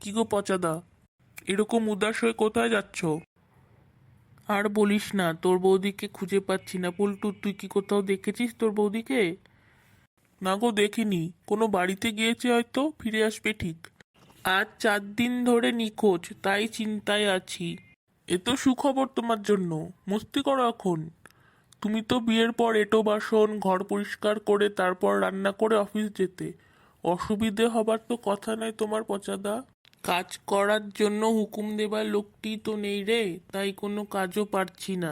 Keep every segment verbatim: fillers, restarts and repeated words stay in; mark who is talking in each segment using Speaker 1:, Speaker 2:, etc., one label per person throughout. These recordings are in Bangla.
Speaker 1: কি গো পচাদা, এরকম উদাস হয়ে কোথায় যাচ্ছ? আর বলিস না, তোর বৌদিকে খুঁজে পাচ্ছি না। পল্টু, তুই কি কোথাও দেখেছিস তোর বৌদিকে? না গো, দেখিনি। কোনো বাড়িতে গিয়েছে, হয়তো ফিরে আসবে ঠিক। আজ চার দিন ধরে নিখোঁজ, তাই চিন্তায় আছি। এ তো সুখবর তোমার জন্য। মস্তি করো এখন। তুমি তো বিয়ের পর এঁটো বাসন ঘর পরিষ্কার করে তারপর রান্না করে অফিস যেতে। অসুবিধে হবার তো কথা নয় তোমার পচাদা। কাজ করার জন্য হুকুম দেবার লোকটি তো নেই রে, তাই কোনো কাজও পারছি না।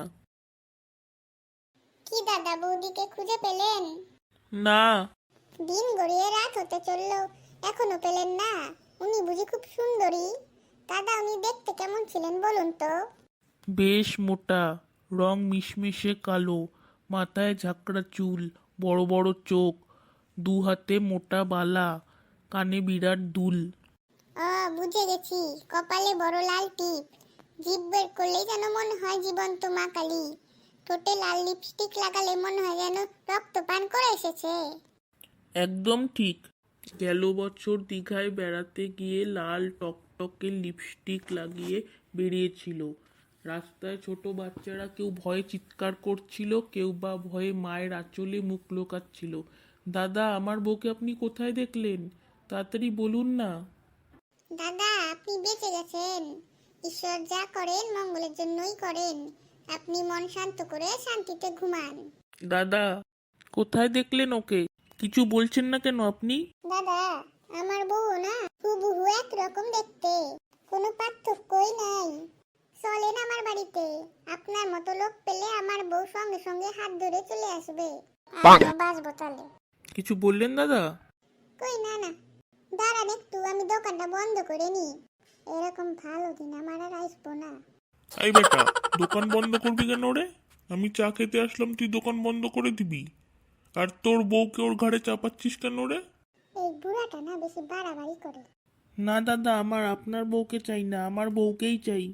Speaker 2: কি দাদা, বৌদিকে খুঁজে পেলেন?
Speaker 1: না।
Speaker 2: দিন গড়িয়ে রাত হতে চললো, এখনো পেলেন না? উনি বুঝি খুব সুন্দরী? দাদা, উনি দেখতে কেমন ছিলেন বলুন তো?
Speaker 1: বেশ মোটা, রং মিশমিশে কালো, মাথায় ঝাঁকড়া চুল, বড় বড় চোখ, দু হাতে মোটা বালা, কানে বিরাট দুল।
Speaker 2: ও, বুঝে গেছি। কপালে বড় লাল টিপ, জিভ বের করলেই যেন মনে হয় জীবন্ত মা কালী। ঠোঁটে লাল লিপস্টিক লাগালে মনে হয় যেন রক্ত পান করে এসেছে।
Speaker 1: একদম ঠিক। গেল বছর দীঘায় বেড়াতে গিয়ে লাল টকটকে লিপস্টিক লাগিয়ে বেরিয়েছিল। রাস্তায় ছোট বাচ্চারা কেউ ভয়ে চিৎকার করছিল, কেউ বা ভয়ে মায়ের আঁচলে মুখ লুকাচ্ছিল। দাদা, আমার বউকে আপনি কোথায় দেখলেন? তাড়াতাড়ি বলুন না।
Speaker 2: দাদা, আপনি বেঁচে গেছেন। ঈশ্বর যা করেন মঙ্গলের জন্যই করেন। আপনি মন শান্ত করে শান্তিতে ঘুমান।
Speaker 1: দাদা, কোথায় দেখলেন ওকে? কিছু বলছেন না কেন আপনি?
Speaker 2: দাদা, আমার বউ না হুবহু একরকম দেখতে, কোনো পার্থক্যই নাই। চলেন আমার বাড়িতে। আপনার মতো লোক পেলে আমার বউ সঙ্গে সঙ্গে হাত ধরে চলে আসবে। আমিও বাসবো তাহলে।
Speaker 1: কিছু বললেন দাদা?
Speaker 2: কই না না, দাঁড়ান একটু, আমি দোকানটা বন্ধ করে নি। এরকম ভালো দিন আমার আর আসবো না।
Speaker 1: এই বেটা, দোকান বন্ধ করবি কেন রে? আমি চা খেতে আসলাম, তুই দোকান বন্ধ করে দিবি? আর তোর বউকে ওর ঘাড়ে চাপাচ্ছিস কেন রে?
Speaker 2: এই বুড়াটা না বেশি বাড়াবাড়ি করে।
Speaker 1: না দাদা, আমার আপনার বউকে চাই না, আমার বউকেই চাই।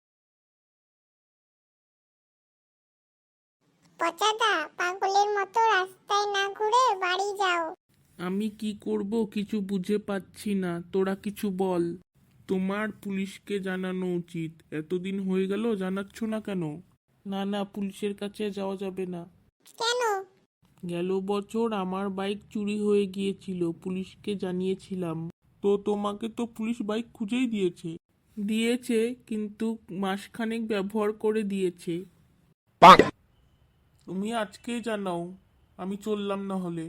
Speaker 2: পচাদা, পাগলের মতো রাস্তায় না ঘুরে বাড়ি যাও।
Speaker 1: আমি কি করব কিছু বুঝে পাচ্ছি না, তোরা কিছু বল। তোমার পুলিশকে জানানো উচিত। এতদিন হয়ে গেল, জানাচ্ছ না কেন? না না, পুলিশের কাছে যাওয়া যাবে না।
Speaker 2: কেন?
Speaker 1: গেল বছর আমার বাইক চুরি হয়ে গিয়েছিল, পুলিশকে জানিয়েছিলাম। তো তোমাকে তো পুলিশ বাইক খুঁজেই দিয়েছে। দিয়েছে, কিন্তু মাসখানেক ব্যবহার করে দিয়েছে। তুমি আজকেই জানাও, আমি চললাম না হলে।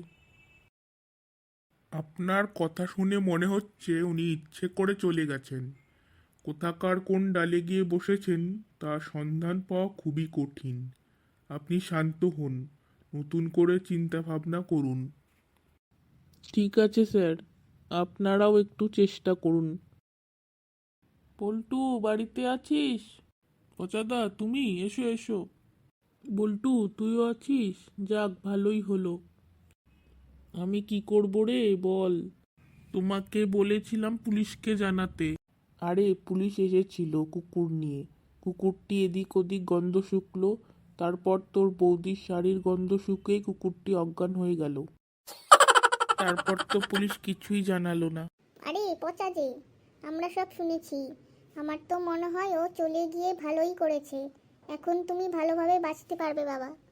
Speaker 1: আপনার কথা শুনে মনে হচ্ছে উনি ইচ্ছে করে চলে গেছেন। কোথাকার কোন ডালে গিয়ে বসেছেন তার সন্ধান পাওয়া খুবই কঠিন। আপনি শান্ত হন, নতুন করে চিন্তা ভাবনা করুন। ঠিক আছে স্যার, আপনারাও একটু চেষ্টা করুন। পল্টু, বাড়িতে আছিস? পচাদা, তুমি এসো এসো। বল্টু, তুইও আছিস? যাক, ভালোই হলো। আমি কি করব রে বল। তোমাকে বলেছিলাম পুলিশকে জানাতে। আরে, পুলিশ এসেছিল কুকুর নিয়ে। কুকুরটি এদিক ওদিক গন্ধ শুকলো, তারপর তোর বৌদির শাড়ির গন্ধ শুকেই কুকুরটি অজ্ঞান হয়ে গেল। তারপর তো পুলিশ কিছুই জানালো না।
Speaker 2: আরে পচা যে, আমরা সব শুনেছি। আমার তো মনে হয় ও চলে গিয়ে ভালোই করেছে। এখন তুমি ভালোভাবে বাঁচতে পারবে বাবা।